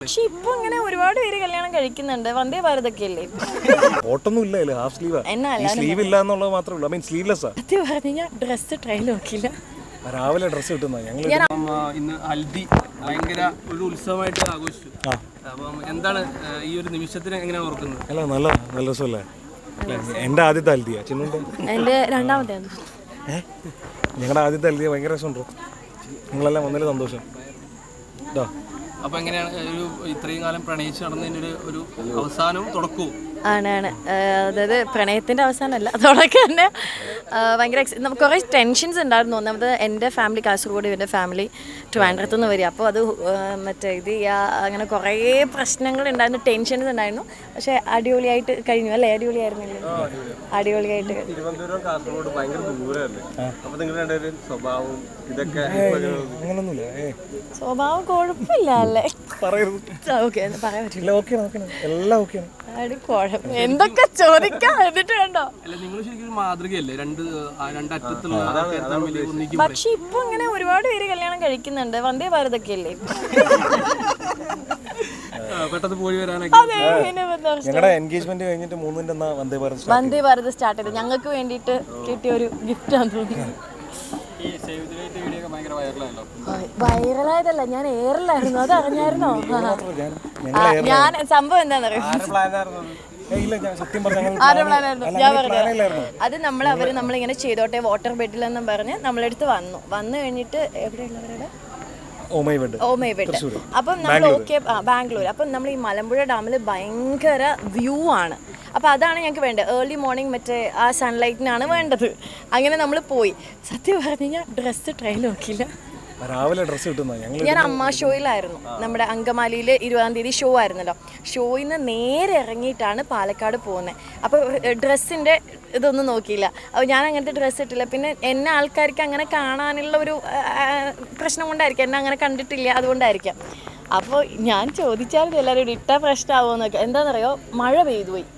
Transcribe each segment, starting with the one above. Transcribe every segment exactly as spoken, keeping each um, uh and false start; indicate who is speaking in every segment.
Speaker 1: പക്ഷെ ഇപ്പൊ ഇങ്ങനെ ഒരുപാട് പേര് കല്യാണം കഴിക്കുന്നുണ്ട്. വന്ദേ ഭാരതൊക്കെ അല്ലേ
Speaker 2: ഓട്ടൊന്നും ഇല്ല, ഹാഫ് സ്ലീവാ. സ്ലീവ് ഇല്ല എന്നുള്ളത് മാത്രമേ ഉള്ളൂ. ഐ മീൻ സ്ലീവ്ലെസ്സാ.
Speaker 1: സത്യം പറഞ്ഞാൽ ഡ്രസ്സ് ട്രൈ നോക്കില്ല.
Speaker 2: രാവിലെ ഡ്രസ്സ് കിട്ടുന്ന ഞങ്ങൾ
Speaker 3: ഇന്ന് ഹൽദി ഭയങ്കര ഒരു ഉത്സവമായിട്ട് ആഘോഷിച്ചു. അപ്പം എന്താണ് ഈ ഒരു നിമിഷത്തിന് എങ്ങനെയാണ് ഓർക്കുന്നത്?
Speaker 2: അല്ല നല്ല നല്ല രസമല്ലേ? എൻ്റെ ആദ്യത്തെ ഹൽദിയാ. ചിന്നുണ്ട്
Speaker 1: എൻ്റെ രണ്ടാമത്തെ.
Speaker 2: ഏഹ് ഞങ്ങളുടെ ആദ്യത്തെ ഹൽദിയ ഭയങ്കര രസമുണ്ടോ? നിങ്ങളെല്ലാം വന്നതിൽ സന്തോഷം. കേട്ടോ.
Speaker 3: അപ്പോൾ എങ്ങനെയാണ് ഒരു ഇത്രയും കാലം പ്രണയിച്ച് നടന്നതിൻ്റെ ഒരു ഒരു അവസാനവും തുടക്കവും?
Speaker 1: ആണാണ്. അതായത് പ്രണയത്തിൻ്റെ അവസാനമല്ല, അതോടൊക്കെ തന്നെ ഭയങ്കര നമുക്ക് കുറേ ടെൻഷൻസ് ഉണ്ടായിരുന്നു. ഒന്നാമത് എൻ്റെ ഫാമിലി കാസർഗോഡ്, ഇവൻ്റെ ഫാമിലി ട്രിവാൻഡ്രത്ത് നിന്ന് വരിക. അപ്പോൾ അത് മറ്റേ ഇത് അങ്ങനെ കുറേ പ്രശ്നങ്ങളുണ്ടായിരുന്നു, ടെൻഷൻസ് ഉണ്ടായിരുന്നു. പക്ഷേ അടിപൊളിയായിട്ട് കഴിഞ്ഞു അല്ലേ? അടിപൊളിയായിരുന്നില്ലേ? അടിപൊളിയായിട്ട്.
Speaker 3: തിരുവനന്തപുരം കാസർഗോഡ് ഭയങ്കര ദൂരമല്ലേ? അപ്പോൾ നിങ്ങളുടെ സ്വഭാവം ഇതൊക്കെ
Speaker 2: അങ്ങനൊന്നുമില്ല.
Speaker 1: സ്വഭാവം കുഴപ്പമില്ല അല്ലേ? ഓക്കെ പറയാൻ പറ്റില്ല.
Speaker 2: എല്ലാം ഓക്കെയാണ്.
Speaker 1: എന്തൊക്കെ ചോദിക്കാം എന്നിട്ട് വേണ്ടോ?
Speaker 3: അല്ല, നിങ്ങൾ ശരിക്കും ഒരു മാതൃകയല്ലേ? രണ്ട് രണ്ടറ്റത്തുള്ള.
Speaker 1: പക്ഷെ ഇപ്പൊ ഇങ്ങനെ ഒരുപാട് പേര് കല്യാണം കഴിക്കുന്നുണ്ട്. വന്ദേ ഭാരതൊക്കെ അല്ലേ
Speaker 3: പെട്ടെന്ന് പോയി വരാനൊക്കെ.
Speaker 2: ഞങ്ങളുടെ എൻഗേജ്മെന്റ് കഴിഞ്ഞിട്ട് മൂന്നിന്റെ വന്ദേ ഭാരത്
Speaker 1: വന്ദേ ഭാരത് സ്റ്റാർട്ട് ചെയ്തു. ഞങ്ങൾക്ക് വേണ്ടിയിട്ട് കിട്ടിയ ഒരു ഗിഫ്റ്റ് ആണെന്ന് തോന്നുന്നു. വൈറലായതല്ല, ഞാൻ എയറിലായിരുന്നു. അത് അറിഞ്ഞായിരുന്നോ? ഞാൻ സംഭവം എന്താണെന്നറിയോ? ഞാൻ പറഞ്ഞു അത് നമ്മൾ അവര് നമ്മളിങ്ങനെ ചെയ്തോട്ടെ വാട്ടർ ബെഡിലെന്നും പറഞ്ഞ് നമ്മളെടുത്ത് വന്നു. വന്നു കഴിഞ്ഞിട്ട് എവിടെയുള്ളവരുടെ ഓമൈബെഡ്. അപ്പം നമ്മൾ ഓക്കെ ബാംഗ്ലൂർ. അപ്പം നമ്മൾ ഈ മലമ്പുഴ ഡാമിൽ ഭയങ്കര വ്യൂ ആണ്. അപ്പോൾ അതാണ് ഞങ്ങൾക്ക് വേണ്ടത്. ഏർലി മോർണിംഗ് മറ്റേ ആ സൺലൈറ്റിനാണ് വേണ്ടത്. അങ്ങനെ നമ്മൾ പോയി. സത്യം പറഞ്ഞു കഴിഞ്ഞാൽ ഡ്രസ്സ് ട്രൈ നോക്കിയില്ല.
Speaker 2: രാവിലെ ഡ്രസ്സ് കിട്ടുന്ന
Speaker 1: ഞാൻ അമ്മ ഷോയിലായിരുന്നു. നമ്മുടെ അങ്കമാലിയിൽ ഇരുപതാം തീയതി ഷോ ആയിരുന്നല്ലോ. ഷോയിൽ നിന്ന് നേരെ ഇറങ്ങിയിട്ടാണ് പാലക്കാട് പോകുന്നത്. അപ്പോൾ ഡ്രസ്സിൻ്റെ ഇതൊന്നും നോക്കിയില്ല. അപ്പോൾ ഞാൻ അങ്ങനത്തെ ഡ്രസ്സ് ഇട്ടില്ല. പിന്നെ എന്നെ ആൾക്കാർക്ക് അങ്ങനെ കാണാനുള്ള ഒരു പ്രശ്നം കൊണ്ടായിരിക്കും, എന്നെ അങ്ങനെ കണ്ടിട്ടില്ല, അതുകൊണ്ടായിരിക്കാം. അപ്പോൾ ഞാൻ ചോദിച്ചാലും എല്ലാവരും ഇട്ട പ്രശ്നമാവുമോ എന്നൊക്കെ. എന്താണെന്നറിയോ, മഴ പെയ്തു പോയി.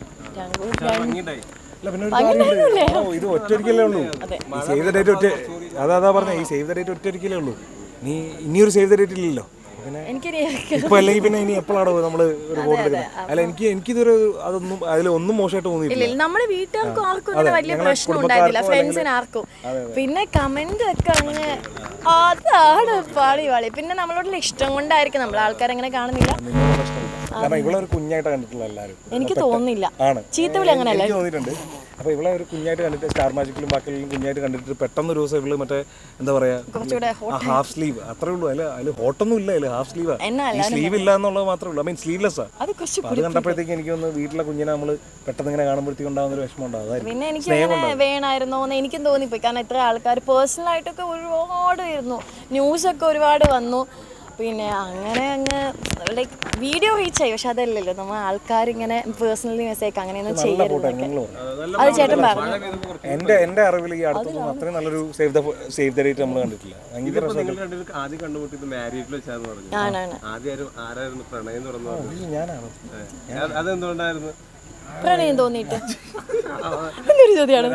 Speaker 2: ഇത് ഒറ്റൊരിക്കലേ ഉള്ളൂ. സേവ് ദ ഡേറ്റ് ഒറ്റ അതാ പറഞ്ഞ ഈ സേവ് ദ ഡേറ്റ് ഒറ്റൊരിക്കലേ ഉള്ളൂ. നീ ഇനിയൊരു സേവ് ദ ഡേറ്റ് ഇല്ലല്ലോ. ഇപ്പൊ അല്ലെങ്കിൽ പിന്നെ ഇനി എപ്പോഴാണോ നമ്മള് ഒരു വോട്ട് എടുക്കുന്നത്? അല്ല, എനിക്ക് എനിക്കിതൊരു അതൊന്നും അതിൽ ഒന്നും മോശമായിട്ട് തോന്നിയില്ല.
Speaker 1: നമ്മള് വീട്ടുകാർക്കും ആർക്കും അങ്ങനെ വലിയ പ്രശ്നം ഉണ്ടായിരുന്നില്ല, ഫ്രണ്ട്സിന് ആർക്കും. പിന്നെ കമന്റ് ഒക്കെ അങ്ങ് അതാണ് പാടി പാടി. പിന്നെ നമ്മളോടുള്ള ഇഷ്ടം കൊണ്ടായിരിക്കും, നമ്മൾ ആൾക്കാരങ്ങനെ കാണുന്നില്ല.
Speaker 2: കാരണം ഇവിടെ ഒരു കുഞ്ഞായിട്ട് കണ്ടിട്ടുള്ള എല്ലാവരും
Speaker 1: എനിക്ക് തോന്നുന്നില്ല. ചീത്തവിളി അങ്ങനെയല്ല
Speaker 2: തോന്നിയിട്ടുണ്ട്. അപ്പൊ ഇവിടെ ഒരു കുഞ്ഞായിട്ട് കണ്ടിട്ട് സ്റ്റാർ മാജിക്കിലും ബാക്കിയെല്ലാം കുഞ്ഞായിട്ട് കണ്ടിട്ട് പെട്ടെന്ന് ഒരു ദിവസം ഇവള് മറ്റേ എന്താ പറയാ ഹാഫ് സ്ലീവ് അത്രേ ഉള്ളൂ. അതിൽ അതിൽ ഹോട്ടൊന്നും ഇല്ല, അതിൽ ഹാഫ് സ്ലീവാ. സ്ലീവ് ഇല്ല എന്നുള്ളത് മാത്രമേ ഉള്ളൂ. ഐ മീൻ സ്ലീവ്ലെസ്സാ. അത് കണ്ടപ്പോഴത്തേക്ക് എനിക്ക് ഒന്ന് വീട്ടിലെ കുഞ്ഞിനെ നമ്മള് പെട്ടെന്ന് ഇങ്ങനെ കാണുമ്പോഴത്തേക്ക് ഉണ്ടാകുന്ന ഒരു വിഷമം ഉണ്ടാവും.
Speaker 1: പിന്നെ എനിക്ക് വേണമായിരുന്നോ എന്ന് എനിക്കും തോന്നിപ്പോയി. കാരണം ഇത്ര ആൾക്കാർ പേഴ്സണൽ ആയിട്ടൊക്കെ ഒരുപാട് വരുന്നു, ന്യൂസൊക്കെ ഒരുപാട് വന്നു. പിന്നെ അങ്ങനെ അങ്ങ് ലൈക്ക് വീഡിയോ റീച്ചായി. പക്ഷെ അതല്ലല്ലോ, നമ്മൾ ആൾക്കാരിങ്ങനെ പേഴ്സണലി മെസ്സേജ് അങ്ങനെയൊന്നും ചെയ്യരുത്. അത് ചേട്ടൻ പറഞ്ഞു.
Speaker 2: എന്റെ എന്റെ അറിവിൽ ഈ അടുത്തൊന്നും അത്രയും നല്ലൊരു save the save the date നമ്മൾ കണ്ടിട്ടില്ല. ഭയങ്കര
Speaker 3: ആദ്യം കണ്ടുമുട്ടിയത് മാരീഡിൽ വെച്ചാന്ന് പറഞ്ഞു. ആദ്യം ആരായിരുന്നു പ്രണയം തുറന്നു?
Speaker 2: ഞാനാണ്.
Speaker 3: അതെന്തുകൊണ്ടായിരുന്നു
Speaker 1: പ്രണയം തോന്നിയിട്ട്? എന്തൊരു ചോദ്യമാണ്.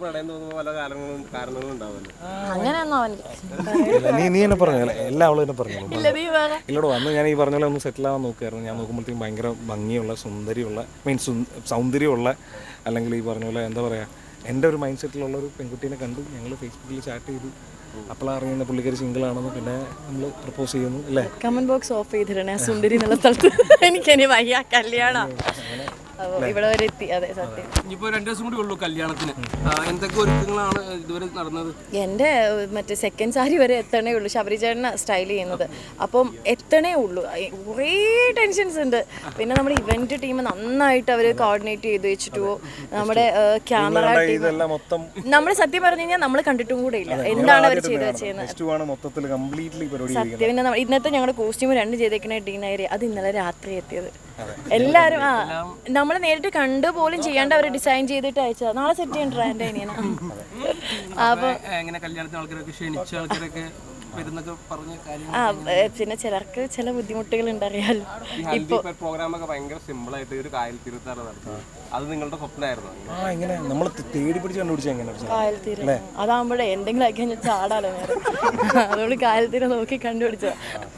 Speaker 1: അങ്ങനെയൊന്നും അവന്
Speaker 2: നീ നീ എന്നെ പറഞ്ഞ എല്ലാ അവളും എന്നെ പറഞ്ഞു. ഇല്ലോട് വന്ന് ഞാൻ ഈ പറഞ്ഞ പോലെ ഒന്ന് സെറ്റിൽ ആവാൻ നോക്കുമായിരുന്നു. ഞാൻ നോക്കുമ്പോഴത്തേക്കും ഭയങ്കര ഭംഗിയുള്ള സുന്ദരിയുള്ള മീൻസ് സൗന്ദര്യമുള്ള അല്ലെങ്കിൽ ഈ പറഞ്ഞ പോലെ എന്താ പറയുക എൻ്റെ ഒരു മൈൻഡ് സെറ്റിലുള്ള ഒരു പെൺകുട്ടീനെ കണ്ടു. ഞങ്ങൾ ഫേസ്ബുക്കിൽ ചാറ്റ് ചെയ്തു. അപ്പോഴാണ് അറിയുന്ന പുള്ളിക്കാരി സിംഗിൾ ആണെന്ന്. പിന്നെ നമ്മൾ പ്രപ്പോസ് ചെയ്യുന്നു അല്ലേ?
Speaker 1: കമന്റ് ബോക്സ് ഓഫ് ചെയ്തിടണേ സുന്ദരി എന്നുള്ള സ്ഥലത്ത്. എനിക്കെനി വയ്യ കല്യാണം ഇവിടെ വരെ എത്തി. അതെ സത്യം.
Speaker 3: ഇനിയിപ്പോൾ രണ്ട് ദിവസം കൂടി ഉള്ളൂ കല്യാണത്തിന്. എന്തൊക്കെ ഒരുക്കങ്ങളാണ് ഇതുവരെ നടന്നത്?
Speaker 1: എൻ്റെ മറ്റേ സെക്കൻഡ് സാരി വരെ എത്തണേ ഉള്ളൂ. ശബരിചേട്ടന സ്റ്റൈൽ ചെയ്യുന്നത്. അപ്പം എത്തണേ ഉള്ളൂ. കുറേ ടെൻഷൻസ് ഉണ്ട്. പിന്നെ നമ്മുടെ ഇവന്റ് ടീം നന്നായിട്ട് അവർ കോർഡിനേറ്റ് ചെയ്ത് വെച്ചിട്ടോ നമ്മുടെ ക്യാമറ ടീം നമ്മൾ സത്യം പറഞ്ഞു കഴിഞ്ഞാൽ നമ്മൾ കണ്ടിട്ടും കൂടെ ഇല്ല എന്താണ് അവർ ചെയ്ത് വെച്ചത്. സത്യം. പിന്നെ ഇന്നത്തെ ഞങ്ങളുടെ കോസ്റ്റ്യൂം രണ്ട് ചെയ്തേക്കുന്ന ഡീനേരി അത് ഇന്നലെ രാത്രി എത്തിയത്. എല്ലാവരും ആ നമ്മൾ നേരിട്ട് കണ്ടു പോലും ചെയ്യാണ്ട് അവർ ഡിസൈൻ ചെയ്തിട്ട് അയച്ചത്. നാളെ സെറ്റ് ചെയ്യണ്ട എൻ്റെ അനിയന.
Speaker 3: അപ്പൊ എങ്ങനെ കല്യാണത്തിന് ആൾക്കാരൊക്കെ ക്ഷണിച്ച ആൾക്കാരൊക്കെ വരുന്നൊക്കെ പറഞ്ഞ കാര്യങ്ങൾ.
Speaker 1: ആ ഏ, പിന്നെ ചിലർക്ക് ചില ബുദ്ധിമുട്ടുകൾ ഉണ്ടറിയാലോ.
Speaker 4: ഈ ഹൽദി പ്രോഗ്രാം ഒക്കെ ഭയങ്കര സിമ്പിൾ ആയിട്ട് ഒരു കായൽ തീർത്താണ് നടത്തുന്നത്. അത് നിങ്ങളുടെ സ്വപ്നമായിരുന്നു?
Speaker 2: ആ എങ്ങനെ നമ്മൾ തേടി പിടിച്ച് കണ്ടുപിടിച്ച എങ്ങനെ
Speaker 1: കായൽ തീരം അതാകുമ്പോഴേ എന്തെങ്കിലും ആക്കി കഴിഞ്ഞാൽ ചാടാലോ നേരെ. അതുകൊണ്ട് കായൽ തീരം നോക്കി കണ്ടുപിടിച്ചതാ.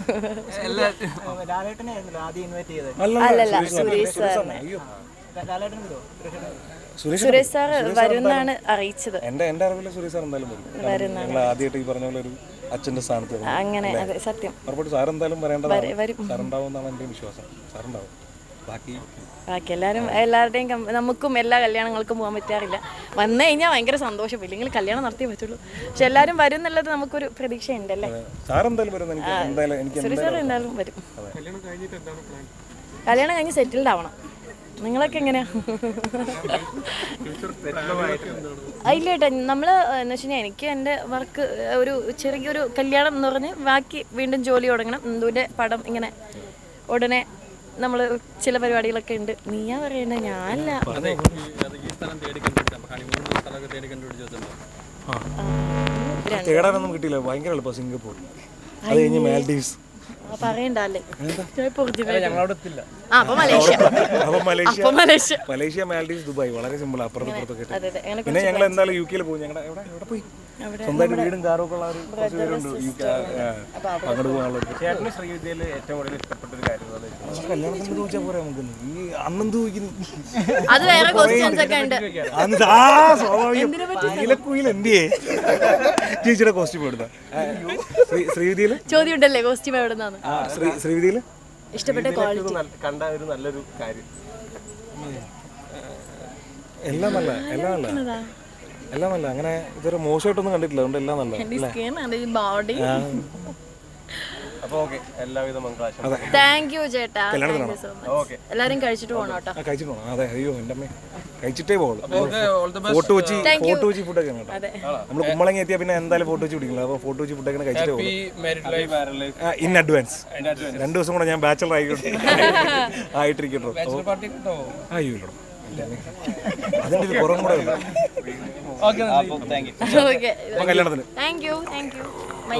Speaker 1: അല്ലല്ല സുരേഷ് സാറിനെ സുരേഷ് സാർ വരുന്നാണ് അറിയിച്ചത്.
Speaker 2: എന്റെ എന്റെ അറിവില് സുരേഷ് സാർ എന്തായാലും വരും. ഞങ്ങൾ ആദ്യമായിട്ട് ഈ പറഞ്ഞ പോലെ ഒരു അച്ഛന്റെ സ്ഥാനത്ത് വരും.
Speaker 1: അങ്ങനെ അതെ സത്യം
Speaker 2: ഉറപ്പായിട്ട് സാർ എന്തായാലും വരേണ്ടതാണ്. സാർ ഉണ്ടാവുമെന്നാണ് എൻ്റെ വിശ്വാസം. സാർ ഉണ്ടാവും. ബാക്കി
Speaker 1: ബാക്കി എല്ലാവരും എല്ലാവരുടെയും കം- നമുക്കും എല്ലാ കല്യാണങ്ങൾക്കും പോകാൻ പറ്റാറില്ല. വന്നു കഴിഞ്ഞാൽ ഭയങ്കര സന്തോഷം, ഇല്ലെങ്കിൽ കല്യാണം നടത്തിയേ പറ്റുള്ളൂ. പക്ഷെ എല്ലാവരും വരും എന്നുള്ളത് നമുക്കൊരു പ്രതീക്ഷയുണ്ടല്ലേ.
Speaker 2: സാർ എന്തായാലും വരും. എനിക്ക് എന്തായാലും എനിക്ക്
Speaker 1: സുരേഷ് സാർ എന്തായാലും വരും. കല്യാണം കഴിഞ്ഞ് സെറ്റിൽഡ് ആവണം. നിങ്ങളൊക്കെ എങ്ങനെയാ? ഇല്ല ഏട്ടാ, നമ്മൾ എന്ന് വെച്ച് കഴിഞ്ഞാൽ എനിക്ക് എൻ്റെ വർക്ക് ഒരു ചെറിയൊരു കല്യാണം എന്ന് പറഞ്ഞ് ബാക്കി വീണ്ടും ജോലി തുടങ്ങണം. എന്തുവിൻ്റെ പടം ഇങ്ങനെ ഉടനെ നമ്മൾ ചില പരിപാടികളൊക്കെ ഉണ്ട്. നീയാ പറയണേ, ഞാനല്ല.
Speaker 2: തേടാനൊന്നും കിട്ടിയില്ല. ഭയങ്കര എളുപ്പം. സിംഗപ്പൂർ, അത് കഴിഞ്ഞ് മാൽഡീവ്സ്.
Speaker 1: പറയണ്ടല്ലേ.
Speaker 2: അപ്പൊ Malaysia
Speaker 1: Malaysia
Speaker 2: Malaysia Maldives Dubai വളരെ സിമ്പിൾ. അപ്പുറത്ത് ഇപ്പുറത്തൊക്കെ.
Speaker 1: അതെ അതെ അങ്ങനെ
Speaker 2: പിന്നെ ഞങ്ങൾ എന്തായാലും യു കെയിൽ പോകും. ഞങ്ങളുടെ എവിടെ എവിടെ പോയി സ്വന്തമായിട്ട് വീടും കാറും ഒക്കെ ഉള്ള ഒരു കുറച്ച് പേരുണ്ട് യു കെ. അങ്ങോട്ട് പോകാനുള്ള
Speaker 4: ചേട്ടന് ശ്രീവിദ്യയിൽ ഏറ്റവും കൂടുതൽ ഇഷ്ടപ്പെട്ട ഒരു കാര്യം
Speaker 2: കല്യാണത്തിന് ചോദിച്ചാൽ പോരാ നമുക്ക്. ഈ അന്നെന്ത് ചോദിക്കുന്നു?
Speaker 1: അത് വേറെ ക്വസ്റ്റ്യൻസ് ഒക്കെ ഉണ്ട്.
Speaker 2: നീലക്കുയിൽ എന്തിയേ ചേച്ചിയുടെ കോസ്റ്റ്യൂം എടുത്ത ശ്രീവിദ്യയില്
Speaker 1: ചോദ്യം ഉണ്ടല്ലേ കോസ്റ്റ്യൂം എവിടെ നിന്നാണ്
Speaker 2: ശ്രീവിദ്യയില്
Speaker 1: ഇഷ്ടപ്പെട്ട ക്വാളിറ്റി
Speaker 4: കണ്ട ഒരു നല്ലൊരു കാര്യം?
Speaker 2: എല്ലാം നല്ല എല്ലാം നല്ല എല്ലാം നല്ല. അങ്ങനെ ഇതൊരു മോശമായിട്ടൊന്നും കണ്ടിട്ടില്ല. അതുകൊണ്ട് എല്ലാം നല്ല.
Speaker 1: ബോഡി.
Speaker 4: അപ്പൊ ഓക്കെ, എല്ലാവിധ മംഗളാശംസ.
Speaker 1: താങ്ക് യു ചേട്ടാ. Thank you so much. എല്ലാരും കഴിച്ചിട്ട് പോകണം കേട്ടോ.
Speaker 2: കഴിച്ചിട്ട് പോകണം. അതെ, അയ്യോ എൻ്റെ അമ്മ കഴിച്ചിട്ടേ പോകുള്ളൂ. ഫോട്ടോ വെച്ച് ഫോട്ടോ വെച്ച് ഫുഡൊക്കെ കേട്ടോ. നമ്മൾ കുമ്പളങ്ങി എത്തിയാൽ പിന്നെ എന്തായാലും ഫോട്ടോ വെച്ച് പിടിക്കില്ല. അപ്പോൾ ഫോട്ടോ വെച്ച് ഫുഡൊക്കെ കഴിച്ചിട്ടേ പോകുള്ളൂ. In advance. രണ്ടു ദിവസം കൂടെ ഞാൻ ബാച്ചലർ ആയിക്കോട്ടെ ആയിട്ടിരിക്കട്ടോ. അയ്യോ ഇല്ലടോ, അതിൻ്റെ ഒരു കുറവും കൂടെ ഉണ്ട്. കല്യാണത്തിന്
Speaker 1: താങ്ക് യു താങ്ക് യു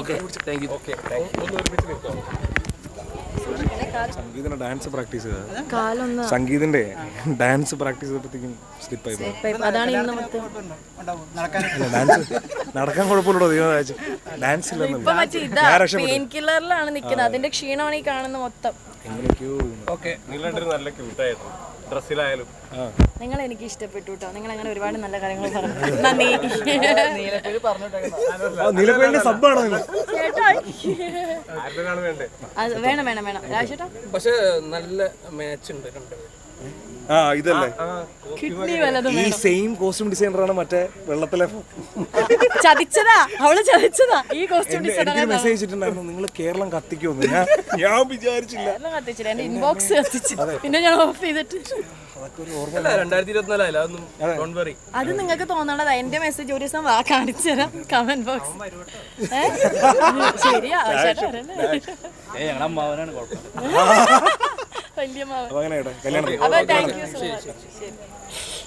Speaker 2: സംഗീതിന്റെ ഡാൻസ് പ്രാക്ടീസ് ചെയ്തത്.
Speaker 1: കാലൊന്ന്
Speaker 2: സംഗീതിന്റെ ഡാൻസ് പ്രാക്ടീസ് ചെയ്തപ്പോഴത്തേക്കും സ്ലിപ്പായി പോയി.
Speaker 1: അതാണ് ഇന്ന് മൊത്തം.
Speaker 2: ഡാൻസ് നടക്കാൻ കുഴപ്പമില്ലടോ. ദൈവം ഡാൻസ്
Speaker 1: ഇപ്പൊ മറ്റേ ഇതാ പെയിൻ കില്ലറിലാണ് നിൽക്കുന്നത്. അതിന്റെ ക്ഷീണമാണ് ഈ കാണുന്ന മൊത്തം.
Speaker 2: എങ്ങനെയൊക്കെയോ
Speaker 4: ഓക്കെ, നിങ്ങളുടെ നല്ല ക്യൂട്ടായിരുന്നു ഡ്രസ്സിലായാലും.
Speaker 1: നിങ്ങൾ എനിക്ക് ഇഷ്ടപ്പെട്ടു കേട്ടോ. നിങ്ങൾ അങ്ങനെ ഒരുപാട് നല്ല കാര്യങ്ങൾ പറഞ്ഞു. നന്ദി.
Speaker 2: നീലക്കുയിലിന്റെ സബ്ബാണോ ഇത്?
Speaker 1: അത് വേണം വേണം വേണം രാജേട്ടാ.
Speaker 3: പക്ഷെ നല്ല മാച്ച് ഉണ്ട് രണ്ടുപേരും.
Speaker 2: ആ ഇതല്ലേ
Speaker 1: കിഡ്നി വല്ലതും
Speaker 2: ഈ സെയിം കോസ്റ്റ്യൂം ഡിസൈനറാണ് മറ്റേ വെള്ളത്തിലെ.
Speaker 1: ചതിച്ചതാ, അവള് ചതിച്ചതാ. ഈ കോസ്റ്റ്യൂം
Speaker 2: എനിക്ക് മെസ്സേജ് അയച്ചിട്ടുണ്ടായിരുന്നു, നിങ്ങൾ കേരളം കത്തിക്കുമെന്ന്. ഞാൻ ഞാൻ വിചാരിച്ചില്ല.
Speaker 1: കത്തിച്ചില്ല, എന്റെ ഇൻബോക്സ് കത്തിച്ചു. പിന്നെ ഞാൻ ഓഫ് ചെയ്തിട്ട്
Speaker 3: രണ്ടായിരത്തി ഇരുപത്തിനാലായാലും അതൊന്നും ഡോണ്ട് വറി.
Speaker 1: അത് നിങ്ങൾക്ക് തോന്നണതാ. എന്റെ മെസ്സേജ് ഒരു ദിവസം വാ കാണിച്ചു തരാം കമന്റ് ബോക്സ്. ശരിയാ, വലിയ മാവൻ.
Speaker 2: അങ്ങനെ കേട്ടോ കല്യാണം.
Speaker 1: അപ്പൊ താങ്ക് യു സോ മച്ച്. ശരി.